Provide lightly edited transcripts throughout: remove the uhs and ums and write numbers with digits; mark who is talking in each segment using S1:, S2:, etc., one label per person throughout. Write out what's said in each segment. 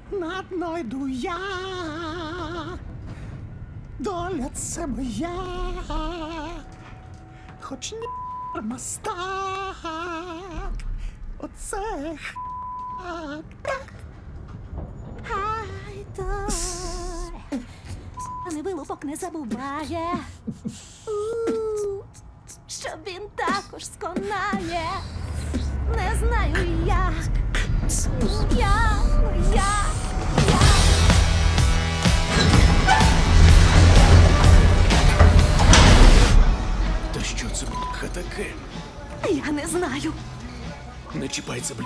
S1: на дно йду я, доля це моя, хоч ні мастак, оце так.
S2: Хай той не вилупок не забуває, що він також сконає. Не знаю як, я.
S3: Та що це, бляха, таке?
S2: Я не знаю.
S3: Не чіпай це, бля.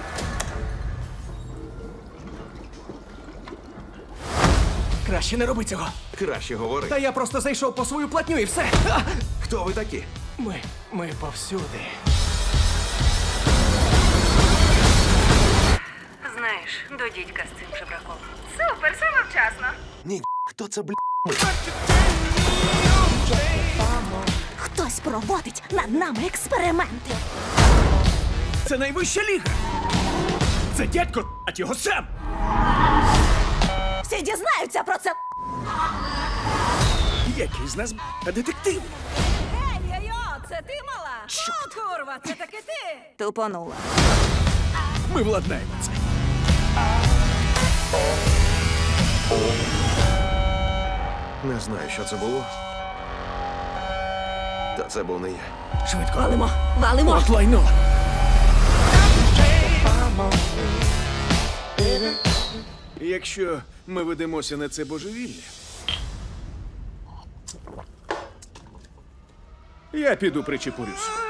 S3: Краще не роби цього.
S4: Краще говори.
S3: Та я просто зайшов по свою платню і все. А!
S4: Хто ви такі?
S3: Ми повсюди.
S5: Знаєш, до дідька з цим жебраком. Супер, саме вчасно.
S4: Ні, хто це, бля?
S2: Хтось проводить над нами експерименти.
S3: Це найвища ліга. Це дядько, а його Сем.
S2: Всі дізнаються про це.
S3: Який з нас детектив?
S5: Ей, це ти мала? Що? О, курва, це таки ти.
S2: Тупонула.
S3: Ми владнаємо це.
S4: Не знаю, що це було. Та це був не я.
S3: Швидко.
S2: Валимо.
S3: От лайно. Якщо ми ведемося на це божевілля, я піду причепурюсь.